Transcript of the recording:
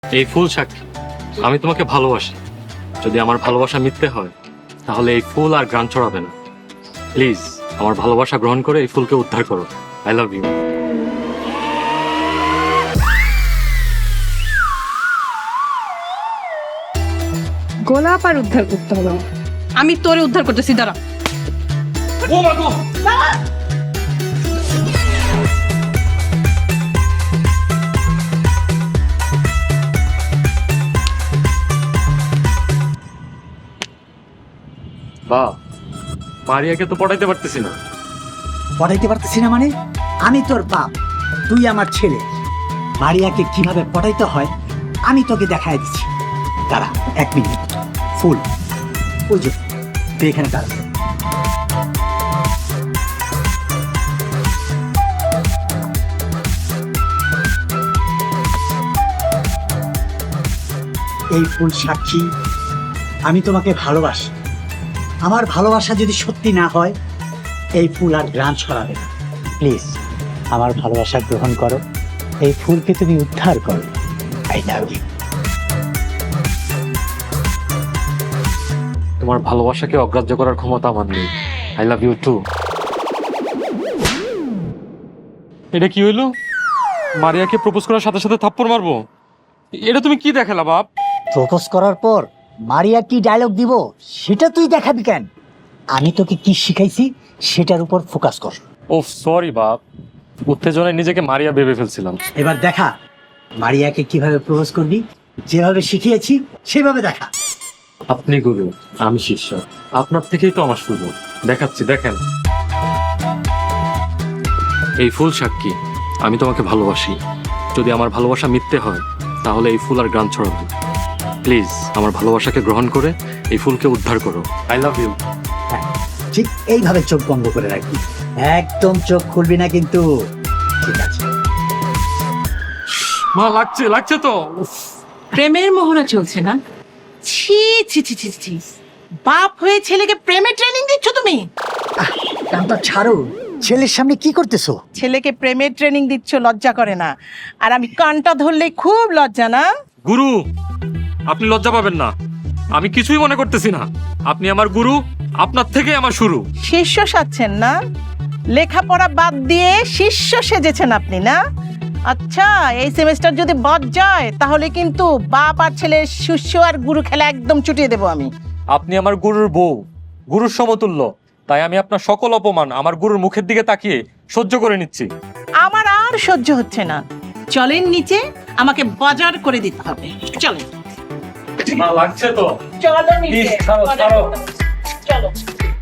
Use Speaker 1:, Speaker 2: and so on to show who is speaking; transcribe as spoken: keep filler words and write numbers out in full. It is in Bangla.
Speaker 1: এই ফুল সাক্ষী আমি তোমাকে ভালোবাসি। যদি আমার ভালোবাসা মিথ্যে হয় তাহলে এই ফুল আর গ্রান ছড়াবে না। প্লিজ আমার ভালোবাসা গ্রহণ করে এই ফুলকে উদ্ধার করো। I love you.
Speaker 2: গোলাপ আর উদ্ধার করতে হবে।
Speaker 3: আমি তোরে উদ্ধার করতেছি, দাঁড়া।
Speaker 1: ও মা গো! বা মারিয়াকে তো পড়াইতে পারতেছি না।
Speaker 4: পড়াইতে পারতেছি না মানে? আমি তোর বাপ, তুই আমার ছেলে। মারিয়াকে কিভাবে পড়াইতে হয় আমি তোকে দেখাই দিচ্ছি। দাঁড়া এক মিনিট। ফুল ওই যে তুই এখানে দাঁড়া। এই ফুল সাক্ষী আমি তোমাকে ভালোবাসি। আমার ভালোবাসা যদি সত্যি না হয় এই ফুল আর গ্রান ছড়াবে না। প্লিজ আমার ভালোবাসা গ্রহণ করো, এই ফুলকে তুমি উদ্ধার করো। I love you.
Speaker 1: তোমার ভালোবাসাকে অগ্রাহ্য করার ক্ষমতা আমার নেই। I love you too. এটা কি হইলো? মারিয়াকে প্রপোজ করার সাথে সাথে থাপ্পড় মারবো? এটা তুমি কি দেখালা বাপ?
Speaker 4: প্রপোজ করার পর মারিয়া কি ডায়লগ দিব সেটা তুই দেখাবি কেন? আমি তোকে কি শিখাইছি সেটার উপর ফোকাস কর।
Speaker 1: ও সরি বাপ, উত্তেজনায় নিজেকে মারিয়া ভেবে ফেলছিলাম।
Speaker 4: এবার দেখা মারিয়াকে কিভাবে প্রপোজ করবি। যেভাবে শিখিয়েছি সেভাবে দেখা।
Speaker 1: আপনি গুরু, আমি শিষ্য। আপনার থেকেই তো আমার শুরু। দেখাচ্ছি, দেখেন। এই ফুল সাক্ষী আমি তোমাকে ভালোবাসি। যদি আমার ভালোবাসা মিথ্যে হয় তাহলে এই ফুল আর গান ছড়াবে। প্লিজ আমার ভালোবাসাকে গ্রহণ করে এই ফুলকে উদ্ধার করো। I love you.
Speaker 4: হ্যাঁ, ঠিক এইভাবে চোখ বন্ধ করে রাখবি, একদম চোখ খুলবি না কিন্তু। ঠিক আছে।
Speaker 1: মা লাগছে লাগছে তো।
Speaker 3: প্রেমের মোহনা চলছে না? ছি ছি ছি ছি ছি। বাপ হয়ে ছেলেকে প্রেমে ট্রেনিং দিচ্ছ তুমি?
Speaker 4: আহ, কানটা ছাড়ো। ছেলের সামনে কি করতেছো?
Speaker 5: ছেলেকে প্রেমের ট্রেনিং দিচ্ছ, লজ্জা করে না? আর আমি কানটা ধরলে খুব লজ্জা না?
Speaker 1: গুরু, আপনি লজ্জা পাবেন না। আমি কিছুই মনে করতেছি না। আপনি আমার গুরু, আপনার থেকেই আমার শুরু।
Speaker 5: শিষ্য সাজছেন না? লেখাপড়া বাদ দিয়ে শিষ্য সেজেছেন আপনি না? আচ্ছা, এই সেমিস্টার যদি বাদ যায় তাহলে কিন্তু বাপ আর ছেলের শিষ্য আর গুরু খেলা একদম চুটিয়ে দেবো আমি।
Speaker 1: আপনি আমার গুরুর বউ, গুরুর সমতুল্য। তাই আমি আপনার সকল অপমান আমার গুরুর মুখের দিকে তাকিয়ে সহ্য করে নিচ্ছি।
Speaker 5: আমার আর সহ্য হচ্ছে না।
Speaker 3: চলেন নিচে, আমাকে বাজার করে দিতে হবে। চলেন।
Speaker 1: লাগছে তো।
Speaker 5: চলো নিচে।
Speaker 1: ছাড়ো, ছাড়ো।
Speaker 5: চলো।